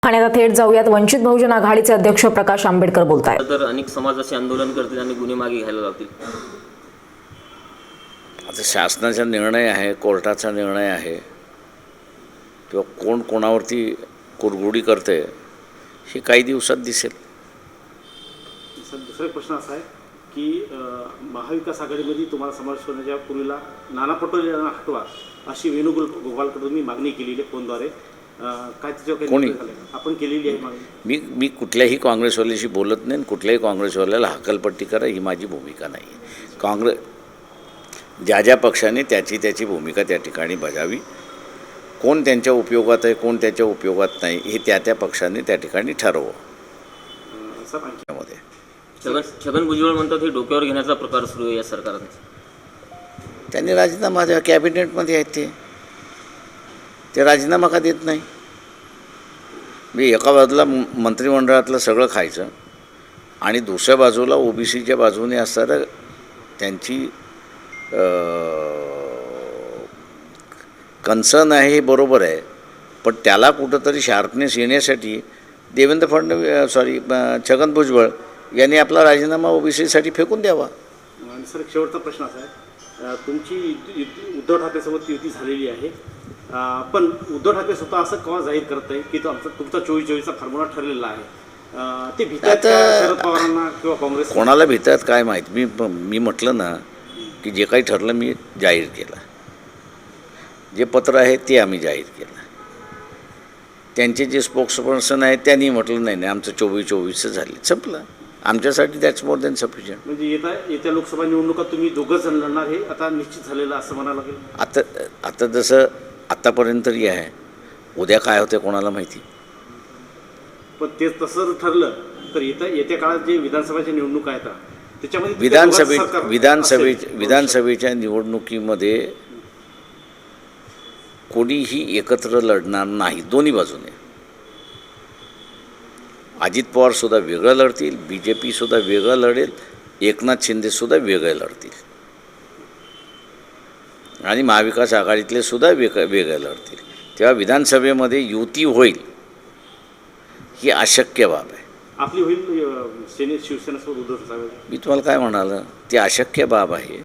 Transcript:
ठाण्याला थेट जाऊयात. वंचित बहुजन आघाडीचे अध्यक्ष प्रकाश आंबेडकर बोलतायत. तर अनेक समाजाचे आंदोलन करतील आणि गुन्हे मागे घ्यायला लावतील. आता शासनाचा निर्णय आहे, कोर्टाचा निर्णय आहे, किंवा कोण कोणावरती कुरघोडी करते हे काही दिवसात दिसेल. सर, दुसरा प्रश्न असा आहे की महाविकास आघाडीमध्ये तुम्हाला समावेश करण्याच्या पूर्वीला नाना पटोले यांना हटवा अशी वेणुगोपालकडून तुम्ही मागणी केलेली आहे फोनद्वारे. काय त्याच्यावर कोणी? आपण केलेली आहे मागणी? मी कुठल्याही काँग्रेसवाल्याशी बोलत नाही, कुठल्याही काँग्रेसवाल्याला हकलपट्टी करा ही माझी भूमिका नाही आहे. काँग्रेस ज्या पक्षाने त्याची भूमिका त्या ठिकाणी बजावी. कोण त्यांच्या उपयोगात आहे, कोण त्याच्या उपयोगात नाही हे त्या पक्षाने त्या ठिकाणी ठरवं. सर, आणखी मध्ये छगन भुजबळ म्हणतात हे डोक्यावर घेण्याचा प्रकार सुरू आहे या सरकारने. त्यांनी राजीनामा द्या. कॅबिनेटमध्ये आहेत ते राजीनामा का देत नाही? मी एका बाजूला मंत्रिमंडळातलं सगळं खायचं आणि दुसऱ्या बाजूला ओबीसीच्या बाजूने असणारं त्यांची कन्सर्न आहे हे बरोबर आहे, पण त्याला कुठंतरी शार्पनेस येण्यासाठी देवेंद्र फडणवीस छगन भुजबळ यांनी आपला राजीनामा ओबीसीसाठी फेकून द्यावा. आणि सर, शेवटचा प्रश्न असा आहे, तुमची उद्धव ठाकरेसोबत युती झालेली आहे, पण उद्धव ठाकरे स्वतः असं केव्हा जाहीर करत आहे की तुमचा 24-24चा फॉर्म्युला ठरलेला आहे? ते भीतात शरद पवारांना किंवा काँग्रेस? कोणाला भीतात काय माहीत. मी म्हटलं ना की जे काही ठरलं मी जाहीर केलं. जे पत्र आहे ते आम्ही जाहीर केलं. त्यांचे जे स्पोक्सपर्सन आहेत त्यांनी म्हटलं नाही आमचं 24-24 झाले, संपलं. आमच्यासाठी दॅट्स मोर दॅन सफिशियंट. म्हणजे येत्या लोकसभा निवडणुका तुम्ही दोघं जण लढणार हे आता निश्चित झालेलं असं म्हणायला लागेल? आता जसं आत्तापर्यंत तरी आहे, उद्या काय होतं कोणाला माहिती. पण ते तसं ठरलं तर येत्या काळात जे विधानसभाच्या निवडणुका आहेत त्याच्यामध्ये विधानसभेच्या निवडणुकीमध्ये कोणीही एकत्र लढणार नाही. दोन्ही बाजूने अजित पवारसुद्धा वेगळं लढतील, BJP सुद्धा वेगळं लढेल, एकनाथ शिंदेसुद्धा वेगळे लढतील आणि महाविकास आघाडीतले सुद्धा वेगळे लढतील. तेव्हा विधानसभेमध्ये युती होईल ही अशक्य बाब आहे. आपली होईल शिवसेनेसोबत उद्धव ठाकरे? मी तुम्हाला काय म्हणालं, ती अशक्य बाब आहे.